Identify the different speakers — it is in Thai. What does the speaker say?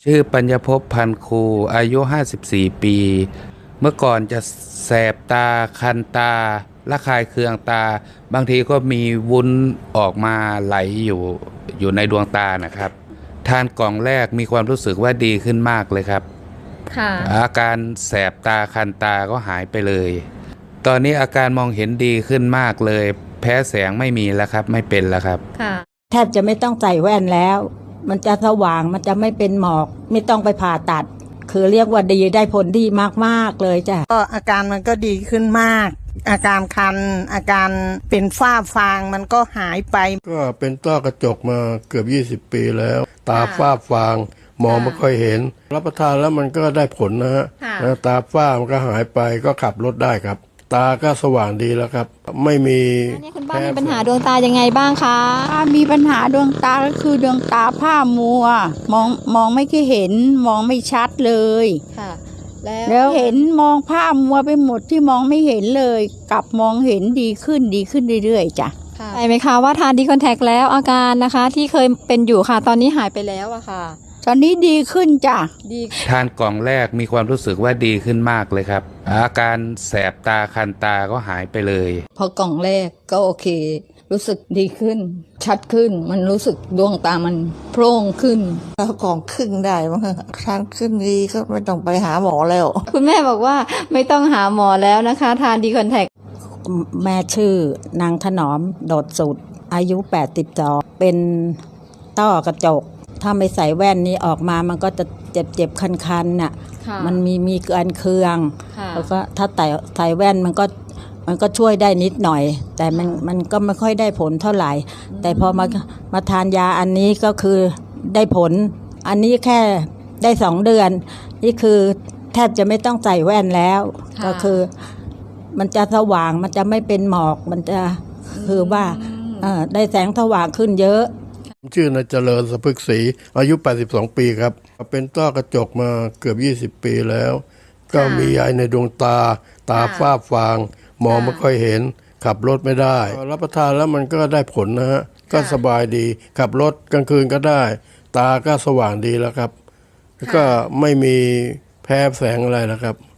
Speaker 1: ชื่อปัญญภพพันคูอายุ54ปีเมื่อก่อนจะแสบตาคันตาระคายเคืองตาบางทีก็มีวุ้นออกมาไหลอยู่ในดวงตานะครับทานกล่องแรกมีความรู้สึกว่าดีขึ้นมากเลยครับ
Speaker 2: ค่ะ
Speaker 1: อาการแสบตาคันตาก็หายไปเลยตอนนี้อาการมองเห็นดีขึ้นมากเลยแพ้แสงไม่มีแล้วครับไม่เป็นแล้วครับ
Speaker 2: ค่ะ
Speaker 3: แทบจะไม่ต้องใส่แว่นแล้วมันจะสว่างมันจะไม่เป็นหมอกไม่ต้องไปผ่าตัดคือเรียกว่าดีได้ผลดีมากๆเลยจ้ะ
Speaker 4: ก็อาการมันก็ดีขึ้นมากอาการคันอาการเป็นฝ้าฟางมันก็หายไป
Speaker 5: ก็เป็นต้อกระจกมาเกือบ20 ปีแล้วตาฝ้าฟางมองไม่ค่อยเห็นรับประทานแล้วมันก็ได้ผลนะฮะตาฝ้ามันก็หายไปก็ขับรถได้ครับตาก็สว่างดีแล้วครับไม่มี
Speaker 2: นี่คุณป้ามีปัญหาดวงตายังไงบ้างคะ
Speaker 6: มีปัญหาดวงตาก็คือดวงตาผ้ามัวมองไม่ค่อยเห็นมองไม่ชัดเลย
Speaker 2: ค่ะ
Speaker 6: แล้วเห็นมองผ้ามัวไปหมดที่มองไม่เห็นเลยกลับมองเห็นดีขึ้นเรื่อยๆจ้ะ
Speaker 2: ใช่ไหมคะว่าทานดีคอนแทคแล้วอาการนะคะที่เคยเป็นอยู่ค่ะตอนนี้หายไปแล้วอะค่ะ
Speaker 6: ตอนนี้ดีขึ้นจ้ะ
Speaker 1: ทานกล่องแรกมีความรู้สึกว่าดีขึ้นมากเลยครับอาการแสบตาคันตาก็หายไปเลย
Speaker 6: พอกล่องแรกก็โอเครู้สึกดีขึ้นชัดขึ้นมันรู้สึกดวงตามันโพร่งขึ้น
Speaker 4: แล้วกล่องครึ่งได้มั้งทานครึ่งดีก็ไม่ต้องไปหาหมอแล้ว
Speaker 2: คุณแม่บอกว่าไม่ต้องหาหมอแล้วนะคะทานดีคอนแทค
Speaker 3: แม่ชื่อนางถนอมโดดสุดอายุ82เป็นต้อกระจกถ้าไม่ใส่แว่นนี้ออกมามันก็จะเจ็บคันๆน่ะมันมีการเคืองแล้วก็ถ้าใส่แว่นมันก็ช่วยได้นิดหน่อยแต่มันก็ไม่ค่อยได้ผลเท่าไหร่แต่พอมาทานยาอันนี้ก็คือได้ผลอันนี้แค่ได้2 เดือนนี่คือแทบจะไม่ต้องใส่แว่นแล้วก็คือมันจะสว่างมันจะไม่เป็นหมอกมันจะคือว่าได้แสงสว่างขึ้นเยอะ
Speaker 5: ชื่อนายเจริญสะพึกศรีอายุ82ปีครับเป็นต้อกระจกมาเกือบ20 ปีแล้วก็มีใยในดวงตาฝ้าฟางมองไม่ค่อยเห็นขับรถไม่ได้รับประทานแล้วมันก็ได้ผลนะฮะก็สบายดีขับรถกลางคืนก็ได้ตาก็สว่างดีแล้วครับก็ไม่มีแพ้แสงอะไรแล้วครับ